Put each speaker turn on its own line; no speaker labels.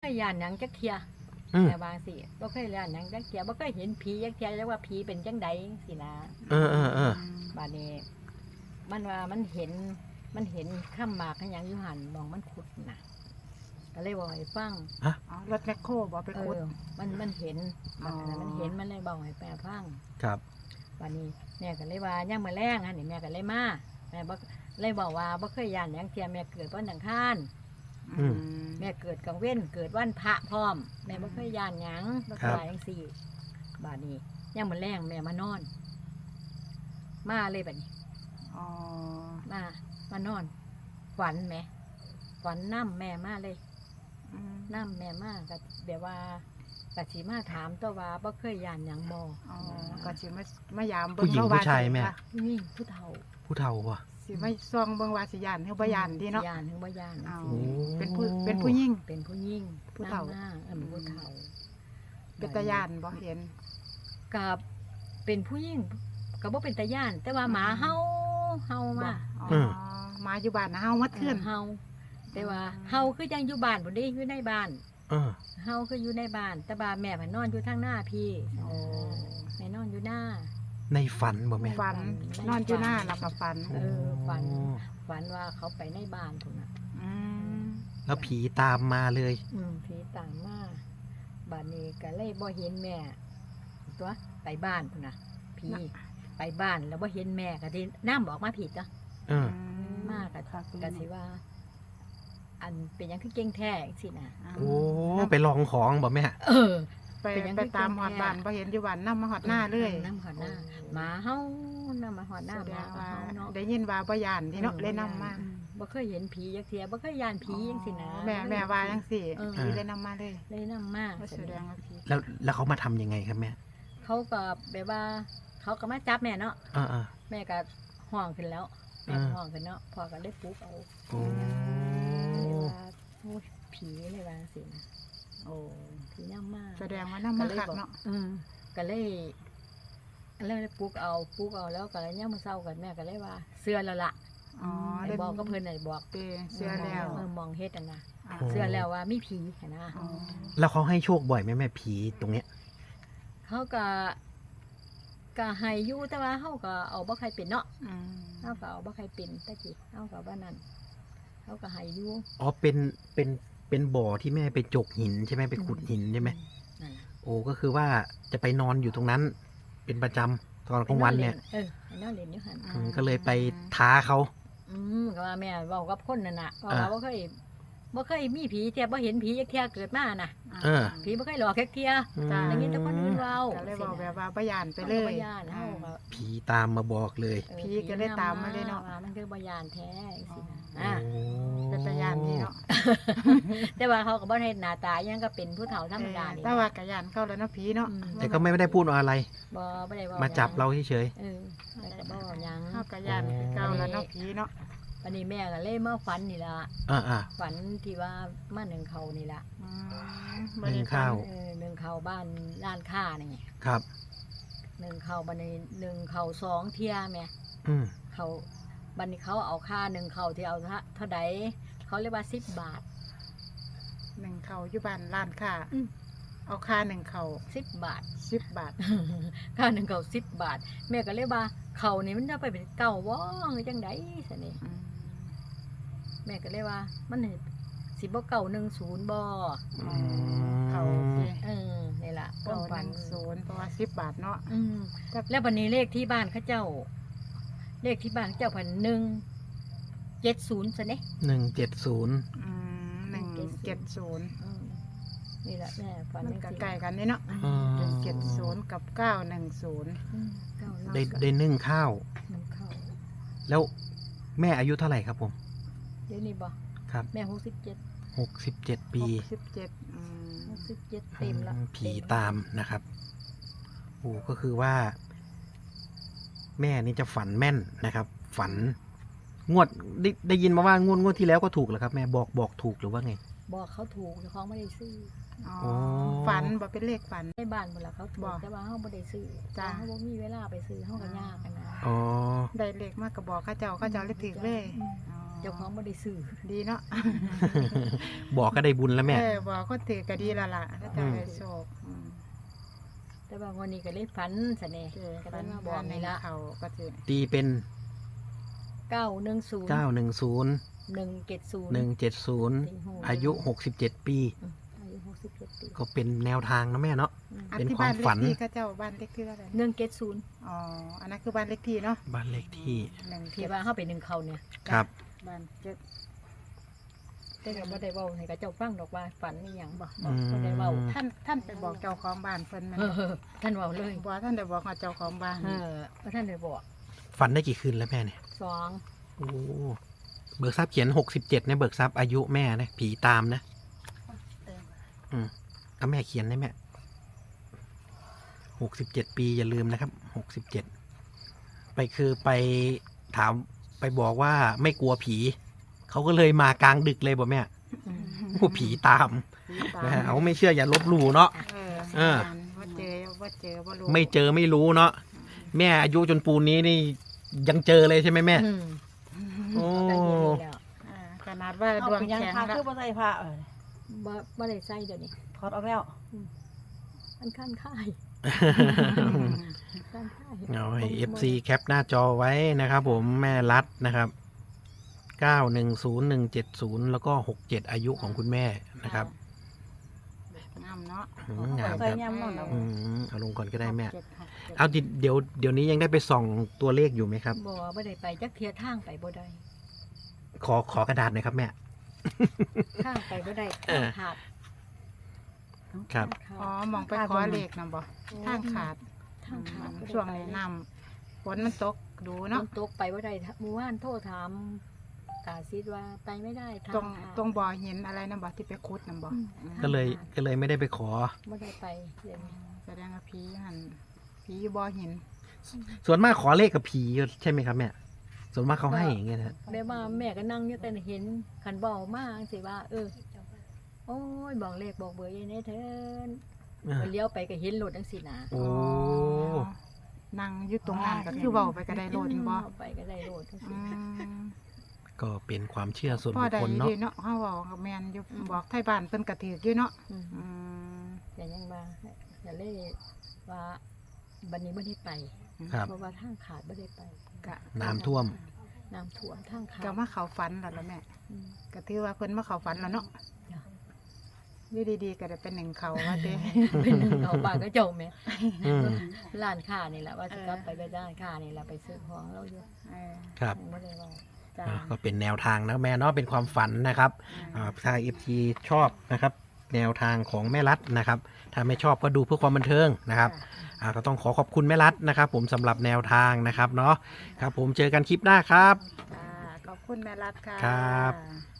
เคยย่านหยังจักเทียแต่บางสิบ่เคยย่านหยังจักเทียบ่เคยเห็นผีจักเทียแล้วว่าผีเป็นจังใดสินะบาดนี้มันว่ามันเห็นข้ามหมากหยังอยู่หันมองมันขุดน่ะก็เลยบอกให้ฟัง
รถแมคโครบอกไปขุด
มันเห็นมันเลยบอกให้แปลฟัง
ครับ
วันนี้แม่ก็เลยว่าย่างมาแรงฮะนี่แม่ก็เลยมาแม่บ่เลยบอกว่าบ่เคยย่านหยังเทียแม่เกิดวันอังคารแม่เกิดกลางเว้นเกิดวันพระพร้อมแม่บ่เคยย่านหยังบ่เคยจังซี่บาดนี้ย่างมาแรงแม่มานอนมาเลยบัดนี้มานอนฝันแม่ฝันน้ำแม่มาเลยน้ำแม่มาก็แบบว่ากะสิมาถามตัวว่าบ่เคยย่านหยังบ่
ก็สิมายามเบิ่ง
ผู้หญิงผู้ชายแม่
นี่ผู้เฒ่า
ว่ะ
สิมาซองเบิ่งว่าสิย่านเฮาบ่ย่านดีเนาะ
ย่านถึงบ่ย่าน
เป็นผู้หญิง
ผู้เฒ่าผู้เฒ่า
เป็นตาย่านบ่เห็น
กับเป็นผู้หญิงก็บ่เป็นตาย่านแต่ว่าหมาเฮามา
หมาอยู่บ้านเฮามาเทื่อน
เฮาแต่ว่าเฮาคือจังอยู่บ้านบ่ได้อยู่ในบ้านเฮาคืออยู่ในบ้านแต่ว่าแม่เพิ่นนอนอยู่ทางหน้าพี่แม่นอนอยู่หน้า
ในฝันบ่แม่
ฝันนอนอยู่หน้าแล้วก็ฝัน
ฝันว่าเขาไปในบ้านพุ่นน่ะ
แล้วผีตามมาเลย
ผีตามมาบ้านนี้ก็เลยบ่เห็นแม่ตัวไปบ้านพุ่นน่ะผีไปบ้านแล้วบ่เห็นแม่ก็ได้น้ำบอกมาผิดจ้ะมากก็สิว่าอันเป็นยังคือเก่งแท้สินะ
โอ้ไปลองของบ่แม่
ไปตามหอดบ้านบ่เห็นอยู่บ้านนำมาหอดหน้าเลย
นำหอดหน้าหมาเฮานำมาหอดหน้าหมาเฮาเนาะ
ได้ยินว่าบ่ย่านที่เนาะเลยนำมา
บ่เคยเห็นผีจักเที่ยบ่เคยย่านผีจังซี่นะ
แม่ว่าจังซี่ผีเลยนำมา
เลยนำมา
แสดงว่าผี
แล้วเขามาทำยังไงครับแม่
เขาก็แบบว่าเขาก็มาจับแม่เนาะแม่ก็ห่วงขึ้นแล้วแม่ห่วงขึ้นเนาะพ่อก็เลยปลุกเอาผีเลยว่าสินะผีน้ำมาก
แสดงว่าน้ำมากเนาะ
ก็เลยปลุกเอาแล้วก็เลยย่ามาเศร้ากันแม่ก็เลยว่าเสื้อแล้วล่ะไอ้บอกก็เพิ่นไอ้บอก
เสื้อแล้ว
มองเฮ็ดนะเสื้อแล้วว่ามีผีนะ
แล้วเขาให้โชคบ่อยไหมแม่ผีตรงเนี้ย
เขาก็ให้อยู่แต่ว่าเขาก็เอาบ่ใครเป็นเนาะเขาก็เอาบ่ใครเป็นตะกี้เขาก็ว่านั่นเขาก็ให้อยู่
เป็นบ่อที่แม่ไปจกหินใช่ไหมไปขุดหินใช่ไหมโอ้ก็คือว่าจะไปนอนอยู่ตรงนั้นเป็นประจำตอนกลางวันเนี่ย
นอนเล่นอยู่หัน
ก็เลยไปท้าเขา
ก็ว่าแม่บอกกับคนนั่นน่ะว่าบ่เคยมีผีเทียบ่เห็นผีจักเทียเกิดมาน่ะผีบ่เคยหลอกแค่เทียอย่างนี้แต่คนอื่นเว้า
ก็เลยบอกแบบว่าบ่ย่านไปเลย
ผีตามมาบอกเลย
ผีก็เลยตามมาเลยเนาะ
มันคือบ่ย่านแท้สิ
เป็นตาย่านนี่เนาะ
แต่ว่าเขาก็บ่ได้หน้าตายังก็เป็นผู้เฒ่าธรรมดานี่
แต่ว่าก็ย่านเข้าแล้วเนาะผีเนาะ
แต่ก็ไม่ได้พูดอะไร
บ่ได้
มาจับเราเฉย
แต่บ่ยัง
เฮาก็ย่านคือเก่าแล้วเนาะผีเนาะ
วันนี้แม่ก็เลยมาฝันนี่ล่ะฝันที่ว่ามาหนึ่งเขานี่ล่ะ
หนึ่งข้าว
หนึ่งเขาบ้านร้านค้านี่
ครับ
หนึ่งเขาบันนี้หนึ่งเขา2 เที่ยแม่เขาบันนี้เขาเอาค่าหนึ่งเขาที่เอาเท่าใดเขาเรียกว่า10 บาท
หนึ่งเขาอยู่บ้านร้านค้าเอาค่าหนึ่งเขา
10 บาท
ค่า
หนึ่งเขา10 บาทแม่ก็เลยว่าเขานี่มันจะไปเป็นเก่าว่จังไดสินี่แม่ก็เลยว่ามันสิบ่เก่า10บ่
เขา
นี่ล่ะ
910เพราะว่า10 บาทเนาะ
แล้ววันนี้เลขที่บ้านเขาเจ้าเลขที่บ้านเจ้าพัน170ซะเนี่ย
170
นี่แหละแม่ฝัน
มันก็ใกล้กันนี่เนาะ170กับ910
ได้นึ่งข้าวแล้วแม่อายุเท่าไหร่ครับผม
เดี๋ยวนี้บ่
ครับ
แม่
67 ปี
67เต็มแล้ว
ผีตามนะครับโอ้ก็คือว่าแม่นี่จะฝันแม่นนะครับฝันงวดได้ยินมาว่างวดที่แล้วก็ถูกเหรอครับแม่บอกถูกหรือว่าไง
บอกเขาถูกแต่เขาไม่ได้ซื้อ
ฝันบอกเป็นเลขฝัน
ในบ้านหมดแล้วเขาถูกแต่ว่าเขาไม่ได้ซื้อเขาบอกมีเวลาไปซื้อเขาก็ยากกันนะ
อ๋อ
ได้เลขมากกระบอกข้าเจ้าเลยถือเลย
เจ้าของบ่ได้ซื้อ
ดีเนาะ
บอกก็ได้บุญแล้วแม่
บอกคนถือก็ดีแล้วล่ะก็จะได้โชค
แต่ว่าวันนี้ก็เลยฝันซะแน่ก็ได้มาบอกนี่ละ
เขาก็จะ
ตีเป็น
910
910
170
170 อายุ 67 ปี
อายุ67ปี
ก็เป็นแนวทางนะแม่เนาะ
อัน
เป็น
ที่
ความ
บ้านเล
ฝั
ข
น
ที่เขาเจ้าบ้านเลขที่อะไร
170
อ๋ออันนั้นคือบ้านเลขที่เนาะ
บ้านเลขที่
ที่ว่าเฮาไป1เขาเนี่ย
ครับ
บ้านเจ็ด
แต่ก็บ่ได้เว้าให้กับเจ้าฟังดอกว่าฝันอีหยังบ่ได้เว้า
ท่านไปบอกเจ้าของบ้านเพิ่นมัน
ท่านเว้าเลย
บอกท่านได้บอกกับเจ้าของบ้าน
บ่ท่านได้บอก
ฝันได้กี่คืนแล้วแม่เนี่ย
2
โอ้เบิกทรัพย์เขียน67เนี่ยเบิกทรัพย์อายุแม่นะผีตามนะเอาแม่เขียนได้แม่67 ปีอย่าลืมนะครับ67ไปคือไปถามไปบอกว่าไม่กลัวผีเขาก็เลยมากลางดึกเลยบอกแม่โอ้ผีตามนะฮะเอาไม่เชื่ออย่าลบหลู่เนาะ
ว่าเจอว่ารู้
ไม่เจอไม่รู้เนาะแม่อายุจนปูนนี้นี่ยังเจอเลยใช่ไหมแม่โอ้
ได้เดี๋ยวนี้แล้ว
ขนาดว่าดวง
ยัง
แข็ง
พา
แล้ว
คือบ่ใส่ผ้า
บ่ได้ใส่เดี๋ยวนี้
ถอดออกแล้ว
มันคันค่ายคันค่าย
เอาให้ FC แคปหน้าจอไว้นะครับผมแม่รัดนะครับ910170แล้วก็67อายุของคุณแม่นะครับ
งามเนาะ
งาม
ใส่
ครับ
ยำนอนเอา
เอาลงก่อนก็ได้แม่
67
เอาเดี๋ยวนี้ยังได้ไปส่องตัวเลขอยู่ไหมครับ
บ่ได้ไปจักเทียทางไปบ่ได้
ขอกระดาษหน่อยครับแม่
ทางไปบ่ได้
เออ
ขาด
ครับ
อ๋อมองไปขอเลขนะบ่ทางขาด
ทางขาดบ่ได้
ช่วงนี้น้ำฝนมันตกดู
เนาะ
เนาะ
ตกไปบ่ได้เมื่อวานโทรถามตาซิดว่าไปไม่ได้ทาง
ตรง
ขาด
ตรงบ่อหินอะไรนะบ่ที่ไปขุดนะบ่
ก็เลยไม่ได้ไปขอ
บ่ได้ไปเดี๋ยวนี้
แสดงว่าผีหันผีอยู่บ่อหิน
ส่วนมากขอเลขกับผีใช่ไหมครับแม่ส่วนมากเขาให้อย่างเงี้ยนะ
แบบว่าแม่ก็นั่งอยู่แต่เห็นคันเว้ามาจังซี่ว่า โอ้ยบอกเลขบอกเบอร์ยายแน่เถิน มันเลี้ยวไปก็เห็นรถจังซี่นะ
โอ้
นั่งอยู่ตรงนั้นก็คือเว้าไปก็ได้โลดบ่
ไปก็ได้รถจัง
อื
ซี่
ม
ก็เป็นความเชื่อส่วน
พ่อ
บุค
ได้
คล
อยู่
เนาะ
ดีเนาะเฮาเว้ากับแม่นอยู่บอกไทยบ้านเพิ่นก็ถืออยู่เนาะ
อืม
อืม
แต่ยังว่าอย่าเลยว่าบัดนี้บ่ได้ไป
ครับ
เพราะว่าทางขาดบ่ได้ไป
ก็
น้ำท่วม
น้ำท่วมทางขาด
ก็มาเข้าฝันแล้วล่ะแม่
อืม
ก็ถือว่าเพิ่นมาเข้าฝันแล้วเนาะ
จ้ะ
อยู่ดีๆก็ได้เป็นหนึ่งเขาว่าเด้
เป็นเอาปากก็เจ้าแม่
อืม
ร้านค้านี่แหละว่าสิกลับไปร้านค้านี่แหละไปซื้อของเราอยู่
เออ
ครับ
ยังบ่ได้เว้า
จ้า
ก็เป็นแนวทางนะแม่เนาะเป็นความฝันนะครับถ้า FT ชอบนะครับ แนวทางของแม่รัฐนะครับ ถ้าไม่ชอบก็ดูเพื่อความบันเทิงนะครับก็ต้องขอบคุณแม่รัฐนะครับ ผมสำหรับแนวทางนะครับเนาะครับ ผมเจอกันคลิปหน้าครับ
ขอบคุณแม่รัฐค่ะ
ครับ
ะ